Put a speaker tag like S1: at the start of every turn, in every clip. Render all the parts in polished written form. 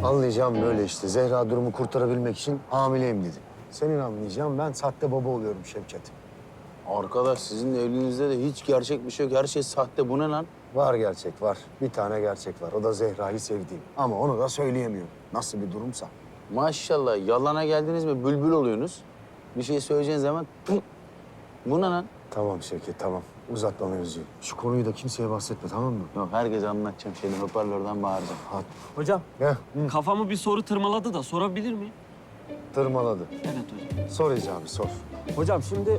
S1: Anlayacağım böyle işte. Zehra durumu kurtarabilmek için hamileyim dedi. Senin anlayacağın ben sahte baba oluyorum Şevket.
S2: Arkadaş sizin evliliğinizde de hiç gerçek bir şey yok. Her şey sahte. Bu ne lan?
S1: Var gerçek var. Bir tane gerçek var. O da Zehra'yı sevdiğim. Ama onu da söyleyemiyorum. Nasıl bir durumsa.
S2: Maşallah yalana geldiniz mi bülbül oluyorsunuz. Bir şey söyleyeceğin zaman pıh! Bu ne lan?
S1: Tamam Şevket tamam. Uzatma mevzuyu. Şu konuyu da kimseye bahsetme tamam mı?
S2: Yok herkese anlatacağım şeyden hoparlörden bağıracağım.
S1: Hadi.
S3: Hocam,
S1: Gel.
S3: kafamı bir soru tırmaladı da sorabilir miyim?
S1: Tırmaladı.
S3: Evet hocam.
S1: Sor icabı sor.
S3: Hocam şimdi...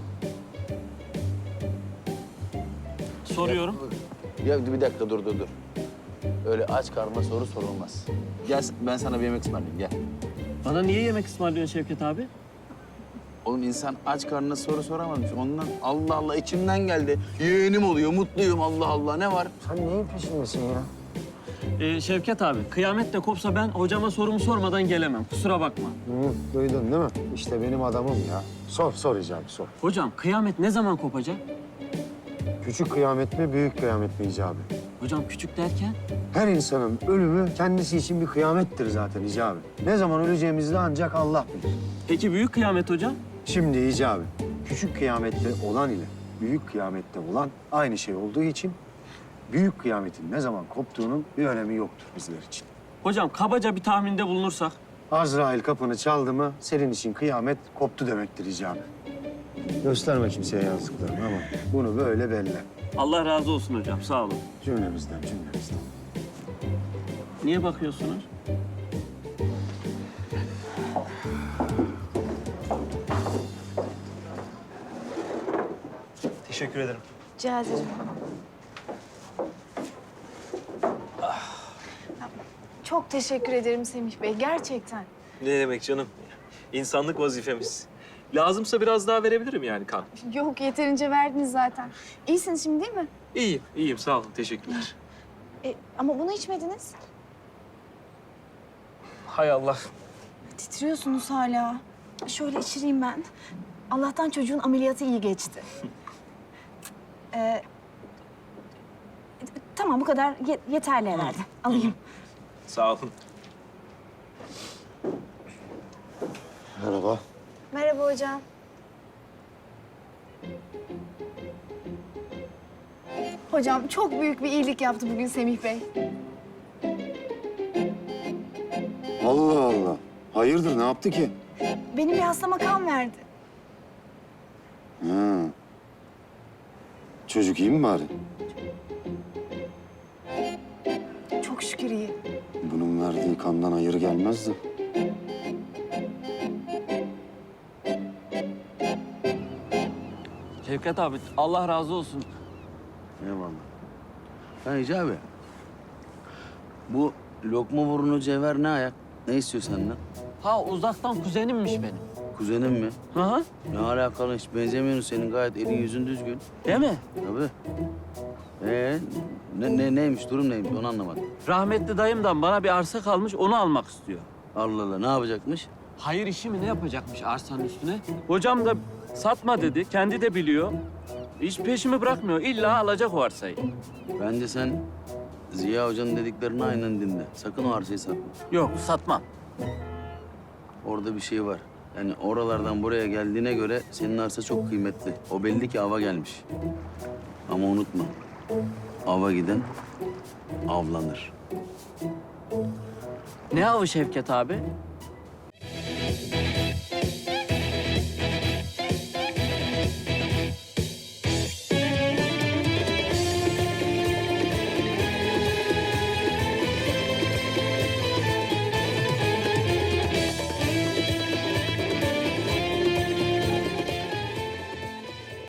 S3: Soruyorum.
S2: Ya bir dakika dur. Öyle aç karnına soru sorulmaz. Gel ben sana bir yemek ısmarlayayım gel.
S3: Bana niye yemek ısmarlıyorsun Şevket abi?
S2: Oğlum insan aç karnına soru soramazmış. Ondan Allah Allah içimden geldi. Yeğenim oluyor, mutluyum Allah Allah. Ne var?
S1: Sen neyin peşindesin ya?
S3: Şevket abi, kıyamet de kopsa ben hocama sorumu sormadan gelemem. Kusura bakma.
S1: Hı, duydun değil mi? İşte benim adamım ya. Sor icabı sor.
S3: Hocam, kıyamet ne zaman kopacak?
S1: Küçük kıyamet mi, büyük kıyamet mi icabı?
S3: Hocam küçük derken?
S1: Her insanın ölümü kendisi için bir kıyamettir zaten icabı. Ne zaman öleceğimizi de ancak Allah bilir.
S3: Peki büyük kıyamet hocam?
S1: Şimdi icabı, küçük kıyamette olan ile büyük kıyamette olan aynı şey olduğu için büyük kıyametin ne zaman koptuğunun bir önemi yoktur bizler için.
S3: Hocam kabaca bir tahminde bulunursak.
S1: Azrail kapını çaldı mı senin için kıyamet koptu demektir icabı. Gösterme kimseye yazdıklarını ama bunu böyle belli.
S3: Allah razı olsun hocam, sağ olun.
S1: Cümlemizden.
S3: Niye bakıyorsunuz?
S4: Teşekkür ederim.
S5: Rica ederim. Çok teşekkür ederim Semih Bey, gerçekten.
S4: Ne demek canım? İnsanlık vazifemiz. Lazımsa biraz daha verebilirim yani kan.
S5: Yok, yeterince verdiniz zaten. İyisiniz şimdi değil mi?
S4: İyiyim. Sağ olun. Teşekkürler.
S5: Ama bunu içmediniz.
S4: Hay Allah.
S5: Titriyorsunuz hala. Şöyle içireyim ben. Allah'tan çocuğun ameliyatı iyi geçti. Tamam, bu kadar yeterli herhalde. Alayım.
S4: Sağ olun.
S1: Merhaba.
S5: Merhaba hocam. Hocam çok büyük bir iyilik yaptı bugün Semih Bey.
S1: Allah Allah. Hayırdır ne yaptı ki?
S5: Benim bir hastama kan verdi.
S1: Ha. Çocuk iyi mi bari?
S5: Çok şükür iyi.
S1: Bunun verdiği kandan hayır gelmezdi.
S3: Şevket abi, Allah razı olsun.
S2: Eyvallah. Ha Hicabi. Bu lokma burnu cevher ne ayak? Ne istiyor senden?
S3: Ha uzaktan kuzenimmiş benim.
S2: Kuzenin mi?
S3: Hı hı.
S2: Ne alakalı hiç benzemiyorsun senin gayet elin yüzün düzgün.
S3: Değil mi?
S2: Tabii. Neymiş durum neymiş onu anlamadım.
S3: Rahmetli dayımdan bana bir arsa kalmış, onu almak istiyor.
S2: Allah Allah ne yapacakmış?
S3: Hayır işi mi ne yapacakmış arsanın üstüne? Hocam da satma dedi, kendi de biliyor. Hiç peşimi bırakmıyor, illa alacak o arsayı.
S2: Bence sen Ziya Hoca'nın dediklerini aynen dinle. Sakın o arsayı satma.
S3: Yok, satmam.
S2: Orada bir şey var. Yani oralardan buraya geldiğine göre senin arsa çok kıymetli. O belli ki ava gelmiş. Ama unutma. Ava giden avlanır.
S3: Ne avı Şevket abi?